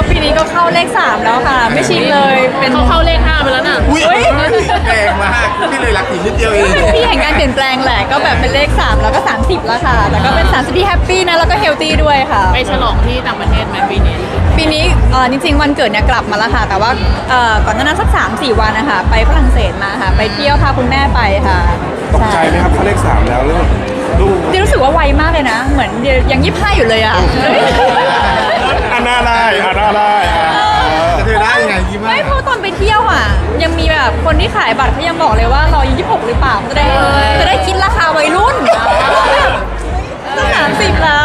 ปีนี้ก็เข้าเลข3แล้วค่ะไม่ชินเลยเป็นเขาเข้าเลข5ไปแล้วน่ะอุ้ยแรงมากพี่เลยรักอีกนิดเดียวเองพี่เห็นการเปลี่ยนแปลงแหละก็แบบเป็นเลข3แล้วก็30แล้วค่ะแต่ก็เป็น30ที่แฮปปี้นะแล้วก็เฮลตี้ด้วยค่ะไปฉลองที่ต่างประเทศไหมปีนี้จริงๆวันเกิดเนี่ยกลับมาแล้วค่ะแต่ว่าก่อนหน้านั้นสัก3-4 วันนะคะไปฝรั่งเศสมาค่ะไปเที่ยวพาคุณแม่ไปค่ะตกใจไหมครับเขาเลข3แล้วเรื่องลูกเดี๋ยวรู้สึกว่าไวมากเลยนะเหมือนยัง25อยู่เลยอ่ะอันน่าได้จะเธอได้ยังไงยิ้มไม่เพราะตอนไปเที่ยวอ่ะยังมีแบบคนที่ขายบัตรเขายังบอกเลยว่าเรา26หรือเปล่าจะได้คิดราคาวัยรุ่นจะ30แล้ว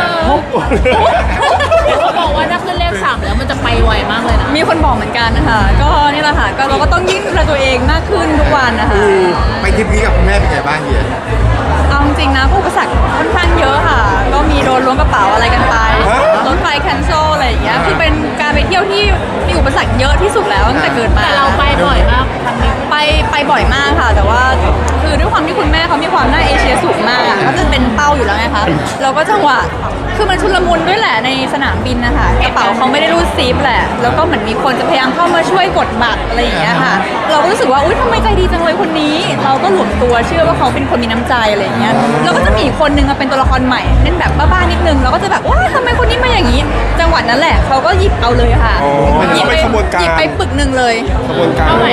เขาบอกว่าถ้าขึ้นเลข3แล้วมันจะไปไวมากเลยนะมีคนบอกเหมือนกันนะคะก็นี่แหละค่ะก็เราก็ต้องยิ่งดูแลตัวเองมากขึ้นทุกวันนะคะไปทริปนี้กับคุณแม่เป็นไงบ้างเฮียเอาจริงๆนะอุปสรรคค่อนข้างเยอะค่ะก็มีโดนล้วงกระเป๋าอะไรกันไปรถไฟแคนเซิลอะไรอย่างเงี้ยคือเป็นการไปเที่ยวที่มีอุปสรรคเยอะที่สุดแล้วตั้งแต่เกิดมาแต่เราไปบ่อยมากครั้งนี้ไปบ่อยมากค่ะแต่ว่าคือด้วยความที่คุณแม่เขามีความน่าเอเชียสูงมากก็จะเป็นเป้าอยู่แล้วไงคะเราก็จังหวะคือมันชุลมุนด้วยแหละในสนามบินนะคะกระเป๋าเขาไม่ได้รูดซิปแหละแล้วก็เหมือนมีคนจะพยายามเข้ามาช่วยกดบัตรอะไรอย่างเงี้ยค่ะเราก็รู้สึกว่าอุ๊ยทำไมใจดีจังเลยคนนี้เราก็หลวมตัวเชื่อว่าเขาเป็นคนมีน้ำใจอะไรอย่างเงี้ยเราก็จะมีคนนึงมาเป็นตัวละครใหม่เล่นแบบบ้าๆนิดนึงเราก็จะแบบว้าทำไมคนนี้มาอย่างนี้จังหวะนั้นแหละเขาก็หยิบเอาเลยค่ะหยิบไปปึกนึงเลยขบวนการเท่าไหร่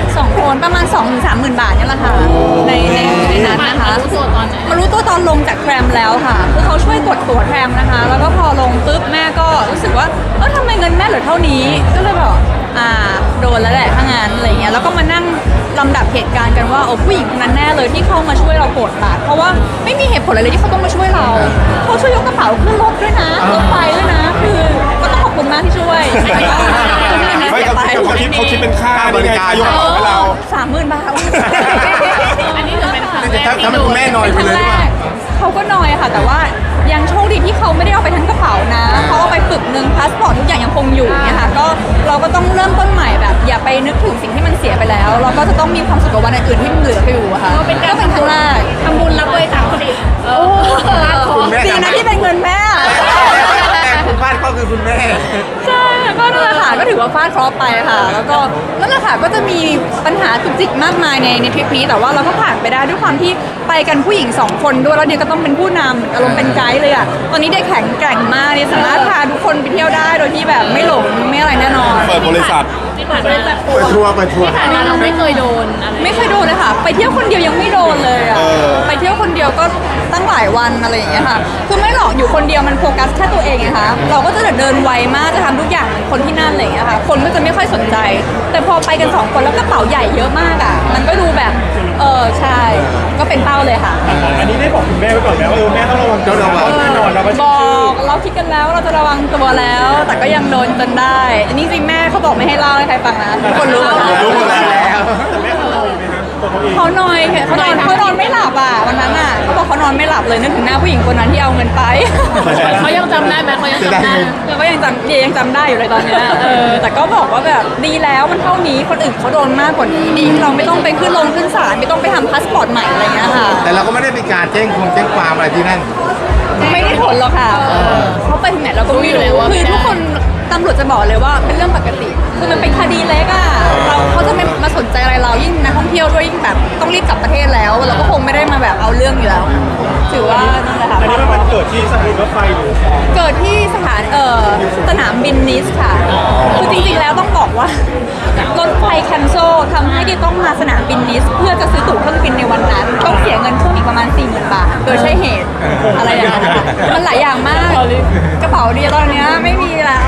2 คนประมาณ 2-30,000 บาทเนี่ยแหละค่ะในนั้นนะคะมารู้ตัวตอนไหนมารู้ตัวตอนลงจากแทรมแล้วค่ะคือเขาช่วยกดตั๋วแทรมนะคะแล้วก็พอลงปุ๊บแม่ก็รู้สึกว่าทำไมเงินแม่เหลือเท่านี้ก็เลยบอกโดนแล้วแหละถ้างั้นอะไรเงี้ยแล้วก็มานั่งลำดับเหตุการณ์กันว่าผู้หญิงคนนั้นแน่เลยที่เข้ามาช่วยเรากดบัตรเพราะว่าไม่มีเหตุผลอะไรเลยที่เขาต้องมาช่วยเราเขาช่วยยกกระเป๋าขึ้นรถด้วยนะรถไฟด้วยนะคือก็ต้องขอบคุณมากที่ช่วยไม่เขาคิดเป็นค่าบริการยกของให้เรา 30,000 บาทอันนี้ถือเป็นครั้งแรกทำให้คุณแม่นอยไปเลยเขาก็นอยค่ะแต่ว่ายังโชคดีที่เขาไม่ได้เอาไปทั้งกระเป๋านะเขาเอาไปปึกนึงพาสปอร์ตทุกอย่างยังคงอยู่เนี่ยค่ะก็เราก็ต้องเริ่มต้นใหม่แบบอย่าไปนึกถึงสิ่งที่มันเสียไปแล้วเราก็จะต้องมีความสุขกับวันอื่นๆที่มันเหลืออยู่ค่ะก็เป็นครั้งแรกทำบุญรับบริจาคคนอื่นดีนะที่เป็นเงินแม่คุณบ้านก็คือคุณแม่ใช่ก็นั่นแหละค่ะก็ถือว่าฟาดเคราะห์ไปค่ะแล้วก็นั่นแหละค่ะก็จะมีปัญหาจุกจิกมากมายในทริปนี้แต่ว่าเราก็ผ่านไปได้ด้วยความที่ไปกันผู้หญิง2 คนด้วยแล้วเดียก็ต้องเป็นผู้นำอารมณ์เป็นไกด์เลยอ่ะตอนนี้ได้แข็งแกร่งมากเนี่ยสามารถพาทุกคนไปเที่ยวได้โดยที่แบบไม่หลงไม่อะไรแน่นอนเปิดบริษัทที่ผ่านมาไปทัวร์ที่ผ่านมาเราไม่เคยโดนอะไรไม่เคยโดนเลยค่ะไปเที่ยวคนเดียวยังไม่โดนเลยอ่ะไปเที่ยวคนเดียวก็ตั้งหลายวันอะไรอย่างเงี้ยค่ะคือไม่หรอกอยู่คนเดียวมันโฟกัสแค่ตัวเองไงคะเราก็จะเดินไวมากจะทำทุกอย่างเหมือนคนที่นั่นอะไรอย่างเงี้ยค่ะคนก็จะไม่ค่อยสนใจแต่พอไปกัน2 คนแล้วกระเป๋าใหญ่เยอะมากอ่ะมันก็ดูแบบใช่ก็เป็นเป้าเลยค่ะอันนี้ได้บอกคุณแม่ไว้ก่อนแล้วว่าแม่ต้องระวังตัวแน่นอนเราบอกเราคิดกันแล้วเราจะระวังตัวแล้ว แต่ก็ยังโดนจนได้อันนี้จริงแม่เขาบอกไม่ให้เล่าให้ใครฟังนะทุกคนรู้หมดแล้วแต่แม่เขานอยไหมครับเขานอยเขานอนไม่หลับอ่ะวันนั้นอ่ะเขาบอกเขานอนไม่หลับเลยนึกถึงหน้าผู้หญิงคนนั้นที่เอาเงินไปเขายังจำได้ไหมเขายังจำได้เราก็ยังจำได้อยู่เลยตอนนี้แต่ก็บอกว่าแบบดีแล้วมันเท่านี้คนอื่นเขาโดนมากกว่านี้ดีที่เราไม่ต้องไปขึ้นศาลไม่ต้องไปทำพาสปอร์ตใหม่อะไรเงี้ยค่ะแต่เราก็ไม่ได้มีการแจ้งความอะไรที่นั่นไม่ได้ผลหรอกค่ะเขาไปถึงไหนเราก็ไม่รู้คือทุกคนตำรวจจะบอกเลยว่าเป็นเรื่องปกติคือมันเป็นคดีเล็กอ่ะเขาจะไม่มาสนใจอะไรเรายิ่งนักท่องเที่ยวด้วยยิ่งแบบต้องรีบกลับประเทศแล้วเราก็คงไม่ได้มาแบบเอาเรื่องอยู่แล้วถือว่านั่นแหละค่ะอันนี้มันเกิดที่สถานีรถไฟหรือเกิดที่สนามบินนิสค่ะคือจริงๆแล้วต้องบอกว่ารถไฟแคนเซิลทำให้ดิต้องมาสนามบินนิสเพื่อจะซื้อตั๋วเครื่องบินในวันนั้นต้องเสียเงินเพิ่มอีกประมาณ 40,000 บาทโดยใช่เหตุอะไรอย่างเงี้ยมันหลายอย่างมากกระเป๋าเดียตอนนี้ไม่มีแล้ว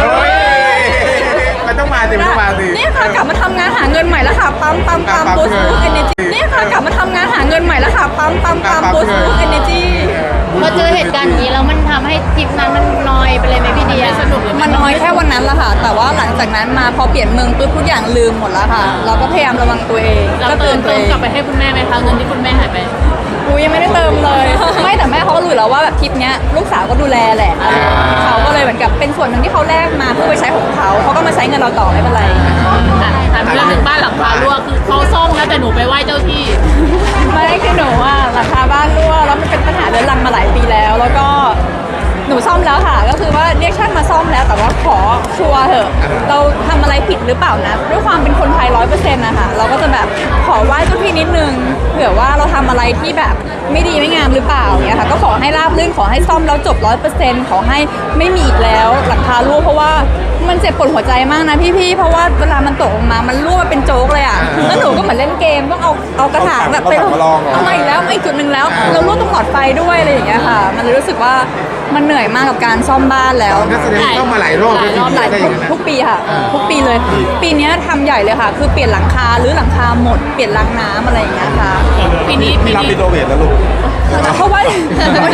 มันต้องมาสินี่ค่ะกลับมาทำงานหาเงินใหม่แล้วค่ะปั๊มบูสต์เอเนจีนี่ค่ะกลับมาทำงานหาเงินใหม่แล้วค่ะปั๊มบูสต์เอเนจีพอเจอเหตุการณ์อย่างนี้แล้วมันทำให้ทริปนั้นมันนอยไปเลยไหมพี่เดียสนุกมันน้อยแค่วันนั้นแหละค่ะแต่ว่าหลังจากนั้นมาพอเปลี่ยนเมืองปุ๊บทุกอย่างลืมหมดแล้วค่ะเราก็พยายามระวังตัวเองก็เติมกลับไปให้คุณแม่ไหมคะเงินที่คุณแม่หายไปยังไม่ได้เติมเลยไม่แต่แม่เขาก็รู้แล้วว่าแบบทริปเนี้ยลูกสาวก็ดูแลแหละเขาก็เลยเหมือนกับเป็นส่วนหนึ่งที่เขาแลกมาเพื่อไปใช้ของเขาก็มาใช้เงินเราต่อไม่เป็นไรถามเรื่องหนึ่งบ้านหลังคารั่วคือเขาซ่อมแล้วแต่หนูไปไหว้เจ้าที่ไม่คือหนูหลังคาบ้านรั่วแล้วมันเป็นปัญหาเรื้อรังมาหลายปีแล้วก็หนูซ่อมแล้วค่ะก็คือว่าเรียกช่างมาซ่อมแล้วแต่ว่าขอชัหรือเปล่านะด้วยความเป็นคนไทย100%นะคะเราก็จะแบบขอไหว้เจ้าที่นิดนึงเผื่อว่าเราทำอะไรที่แบบไม่ดีไม่งามหรือเปล่าเนี่ยค่ะก็ขอให้ราบรื่นขอให้ซ่อมแล้วจบ100%ขอให้ไม่มีอีกแล้วหลังคารั่วเพราะว่ามันเจ็บปวดหัวใจมากนะพี่ๆเพราะว่าเวลามันตกลงมามันรั่วมาเป็นโจ๊กเลยอ่ะแล้วหนูก็เหมือนเล่นเกมต้องเอากระถางแบบไปเอามาอีกแล้วมาอีกจุดหนึ่งแล้วเรารั่วตรงหลอดไฟด้วยอะไรอย่างเงี้ยค่ะมันเลยรู้สึกว่ามันเหนื่อยมากกับการซ่อมบ้านแล้วนักแสดงต้องมาหลายรอบหลายรอบหลายได้อย่างนั้นทุกปีค่ะทุกปีเลย ปีเนี้ยทำใหญ่เลยค่ะ คือเปลี่ยนหลังคาหรือหลังคาหมดเปลี่ยนรางน้ำอะไรอย่างเงี้ยค่ะปีนี้พี่รับรีโนเวทแล้วลูกเพราะว่าไม่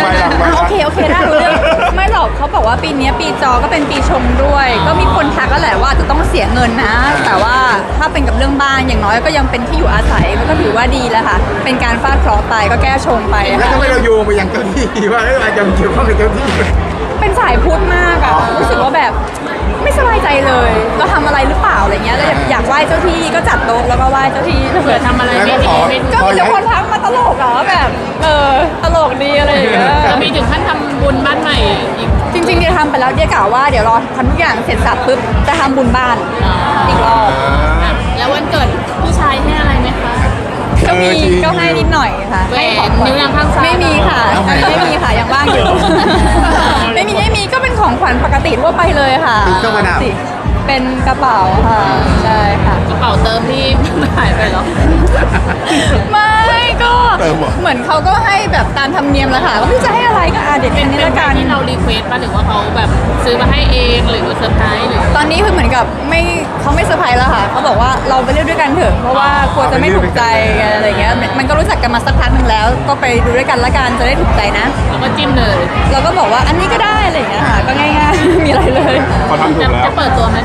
โอเคได้รู้เรื่องไม่หรอกเขาบอกว่าปีเนี้ยปีจอก็เป็นปีชงด้วย ก็มีคนทักแล้วแหละว่าจะต้องเสียเงินนะ แต่ว่าถ้าเป็นกับเรื่องบ้านอย่างน้อยก็ยังเป็นที่อยู่อาศัยมันก็ถือว่าดีแล้วค่ะ เป็นการฟาดเคราะห์ไปก็แก้ชงไปแล้วค่ะทำไมเราโยงไปยังเจ้าที่ว่าอาจจะเกี่ยวข้องกับเจ้าที่เป็นสายพุทธมากอะรู้สึกว่าแบบไม่สบายใจเลย เราทำอะไรหรือเปล่าอะไรเงี้ยแล้วอยากไหว้เจ้าที่ก็จัดโต๊ะแล้วก็ไหว้เจ้าที่เผื่อทำอะไรไม่ดีไม่ถูกก็มีแต่คนทักมาตลกอะว่าแบบตลกดีอะไรอย่างเงี้ยจะมีถึงขั้นทำบุญบ้านใหม่อีกจริงๆเดี๋ยวทำไปแล้วเดี๋ยวกล่าวว่าเดี๋ยวรอทำทุกอย่างเสร็จสับปุ๊บจะทำบุญบ้านอีกรอบแล้ววันเกิดพี่ชายให้อะไรไหมคะก็มีก็ให้นิดหน่อยค่ะแหวนให้ของขวัญนิ้วนางข้างซ้ายไม่มีค่ะตอนนี้ไม่มีค่ะยังว่างอยู่ ไม่มีก็เป็นของขวัญปกติทั่วไปเลยค่ะเป็นเครื่องประดับเป็นกระเป๋าค่ะใช่ค่ะกระเป๋าเติมที่หายไปเหรอไม่ก็เติมเหรอเหมือนเขาก็ให้แบบตามธรรมเนียมแหละค่ะว่าพี่จะให้อะไรก็เดี๋ยวเป็นนี้ละกันที่เรารีเควสต์ป่ะหรือว่าเขาแบบซื้อมาให้เองหรือว่าเซอร์ไพรส์หรือตอนนี้คือเหมือนกับเขาไม่เซอร์ไพรส์แล้วค่ะเขาบอกว่าเราไปเลือกด้วยกันเถอะเพราะว่ากลัวจะไม่ถูกใจอะไรเงี้ยมันก็รู้จักกันมาสักพักหนึ่งแล้ว ก็ไปดูด้วยกันละกันจะได้ถูกใจนะแล้วก็จิ้มเลยเราก็บอกว่าอันนี้ก็ได้อะไรอย่างเงี้ยค่ะก็ง่ายๆ ไม่มีอะไรเลยเขาทำถูจะกแล้วจะเปิดตัวไหม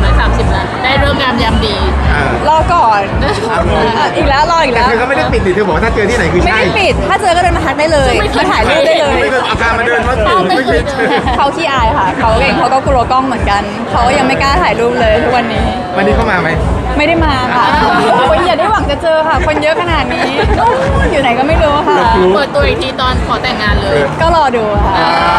30 ล้านได้เรื่องงามยามดีรอก่อนอีกแล้วรออีกแต่แล้วเธอก็ไม่ได้ปิดดิเธอบอกว่าถ้าเจอที่ไหนคือไม่ใช่ได้ปิดถ้าเจอก็เดินมาทักได้เลยมาถ่ายรูปได้เลยไม่เคยเอาการมาเดินว่าไม่เคยเจอเขาขี้อายค่ะเขาเองเขาก็กลัวกล้องเหมือนกันเขายังไม่กล้าถ่ายรูปเลยทุกวันนี้วันนี้เข้ามาไหมไม่ได้มาค่ะโอ้ยอย่าได้หวังจะเจอค่ะ คนเยอะขนาดนี้ อยู่ไหนก็ไม่รู้ค่ะเปิดตัวอีกทีตอนขอแต่งงานเลยก็รอดูค่ะ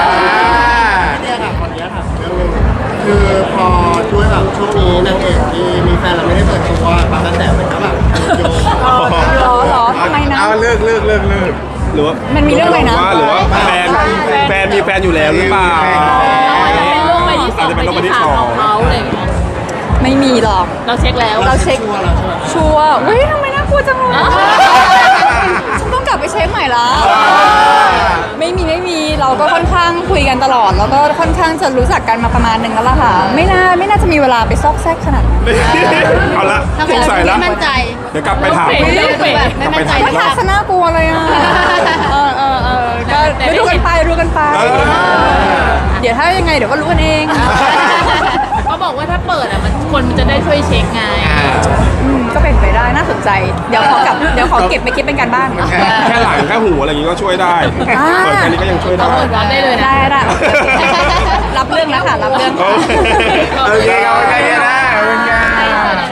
คือพอช่วยแบบช่วงนี้นางเอกที่มีแฟนเราไม่ได้เปิดตัวบางกระแสมันก็แบบโยงหรอทำไมนะเอาเลิกหรือว่ามันมีเรื่องอะไรนะหรือว่าแฟนมีแฟนอยู่แล้วหรือเปล่าอาจจะเป็นโรคใบที่สองอาจจะเป็นโรคใบที่ที่สสาอมงของเขาอะไรอย่างเงี้ยไม่มีหรอกเราเช็คแล้วเราเช็คชัวร์เฮ้ยทำไมน่ากลัวจังเลยฉันต้องกลับไปเช็คใหม่ละไม่มีเราก็ค่อนข้างคุยกันตลอด แล้วก็ค่อนข้างจะรู้จักกันมาประมาณหนึ่งแล้วล่ะค่ะ ไม่น่าจะมีเวลาไปซอกแซกขนาดนั้นเอาละทำไมสงเราสัยไม่ละมั่นใจเดี๋ยวกลับไปถามแบบไม่มั่นใจไม่ทักซะน่ากลัวเลยอ่ะก็ดูกันไปเดี๋ยวถ้ายังไงเดี๋ยวก็รู้กันเองเขาบอกว่าถ้าเปิดอ่ะคนมันจะได้ช่วยเช็คไงก็เป็นไปได้น่าสนใจ เดี๋ยวขอเก็บไปคิดเป็นการบ้านแค่หลังแค่หูอะไรอย่างงี้ก็ช่วยได้อ่าเปิดแค่นี้ก็ยังช่วยได้เปิดรับได้เลยนะได้รับเรื่องแล้วค่ะรับเรื่องโอเคโอเคเอาใจเย็นนะเป็นไง